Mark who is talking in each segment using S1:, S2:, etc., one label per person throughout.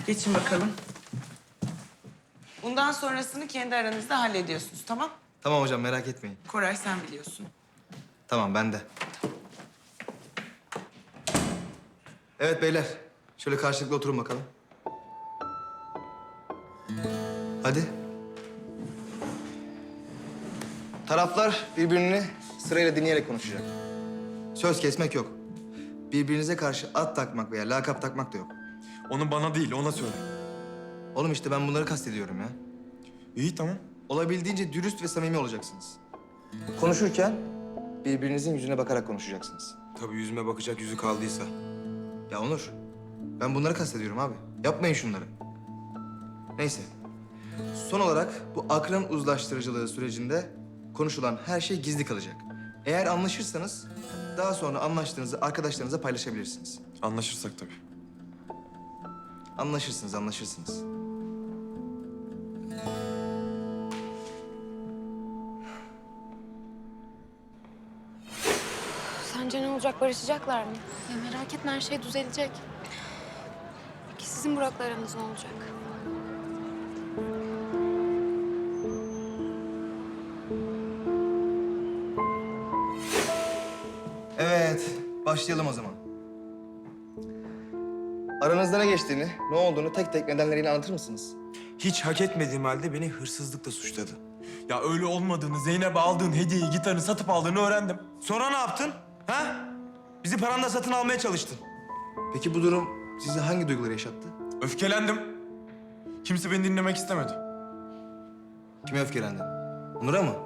S1: Geçin bakalım. Bundan sonrasını kendi aranızda hallediyorsunuz, tamam?
S2: Tamam hocam, merak etmeyin.
S1: Koray sen biliyorsun.
S2: Tamam, ben de. Evet beyler, şöyle karşılıklı oturun bakalım. Hadi. Taraflar birbirini sırayla dinleyerek konuşacak. Söz kesmek yok. Birbirinize karşı ad takmak veya lakap takmak da yok.
S3: Onu bana değil, ona söyle.
S2: Oğlum işte ben bunları kastediyorum ya.
S3: İyi, tamam.
S2: Olabildiğince dürüst ve samimi olacaksınız. Konuşurken birbirinizin yüzüne bakarak konuşacaksınız.
S3: Tabii yüzüme bakacak yüzü kaldıysa.
S2: Ya Onur, ben bunları kastediyorum abi. Yapmayın şunları. Neyse. Son olarak bu akran uzlaştırıcılığı sürecinde konuşulan her şey gizli kalacak. Eğer anlaşırsanız daha sonra anlaştığınızı arkadaşlarınıza paylaşabilirsiniz.
S3: Anlaşırsak tabii.
S2: Anlaşırsınız.
S4: Sence ne olacak? Barışacaklar mı? Ya merak etme, her şey düzelecek. Peki sizin Burak'la aranız ne olacak?
S2: Evet, başlayalım o zaman. Aranızda ne geçtiğini, ne olduğunu tek tek nedenleriyle anlatır mısınız?
S3: Hiç hak etmediğim halde beni hırsızlıkla suçladı. Ya öyle olmadığını, Zeynep'e aldığın hediyeyi, gitarını satıp aldığını öğrendim. Sonra ne yaptın? Ha? Bizi paranla satın almaya çalıştın.
S2: Peki bu durum size hangi duyguları yaşattı?
S3: Öfkelendim. Kimse beni dinlemek istemedi.
S2: Kime öfkelendin? Onur'a mı?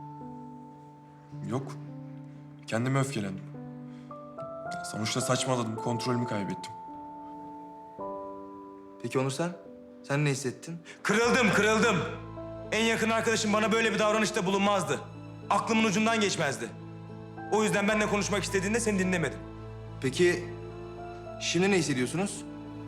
S3: Yok. Kendime öfkelendim. Sonuçta saçmaladım, kontrolümü kaybettim.
S2: Peki Onur sen? Sen ne hissettin?
S3: Kırıldım. En yakın arkadaşım bana böyle bir davranışta bulunmazdı. Aklımın ucundan geçmezdi. O yüzden benimle konuşmak istediğinde seni dinlemedim.
S2: Peki şimdi ne hissediyorsunuz?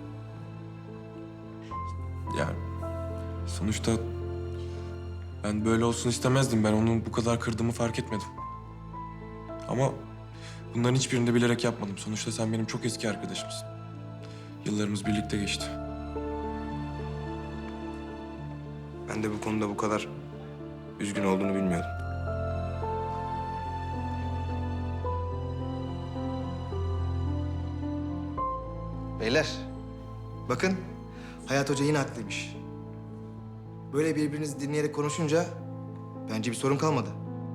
S3: Ya sonuçta ben böyle olsun istemezdim. Ben onu bu kadar kırdığımı fark etmedim. Ama bunların hiçbirini de bilerek yapmadım. Sonuçta sen benim çok eski arkadaşımsın. Yıllarımız birlikte geçti. Ben de bu konuda bu kadar üzgün olduğunu bilmiyordum.
S2: Beyler, bakın Hayat Hoca yine haklıymış. Böyle birbirinizi dinleyerek konuşunca bence bir sorun kalmadı.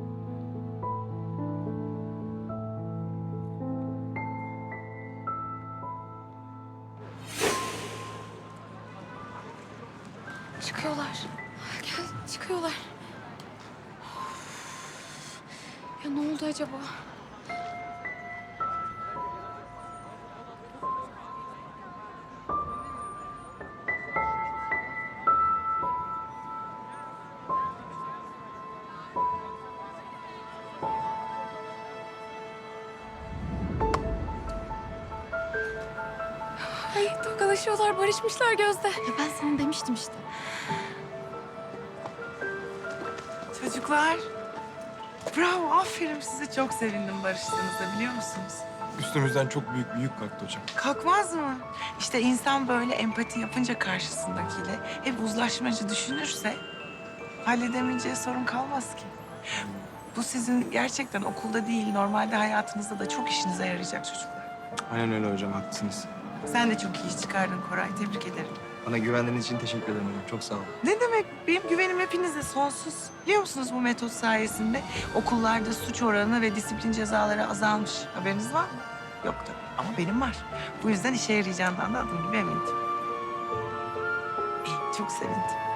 S4: Çıkıyorlar. Gel, çıkıyorlar. Ya ne oldu acaba? Ay, tokalaşıyorlar, barışmışlar Gözde. Ya ben sana demiştim işte.
S1: Çocuklar, bravo, aferin size. Çok sevindim barıştığınızda, biliyor musunuz?
S3: Üstümüzden çok büyük bir yük kalktı hocam.
S1: Kalkmaz mı? İşte insan böyle empati yapınca karşısındakiyle hep uzlaşmacı düşünürse halledemeyeceği sorun kalmaz ki. Bu sizin gerçekten okulda değil, normalde hayatınızda da çok işinize yarayacak çocuklar.
S2: Aynen öyle hocam, haklısınız.
S1: Sen de çok iyi iş çıkardın Koray, tebrik ederim.
S2: Bana güvendiğiniz için teşekkür ederim hocam. Çok sağ olun.
S1: Ne demek? Benim güvenim hepinize sonsuz. Biliyor musunuz bu metot sayesinde okullarda suç oranı ve disiplin cezaları azalmış. Haberiniz var mı? Yok tabii ama benim var. Bu yüzden işe yarayacağından da adım gibi emindim. İyi, çok sevindim.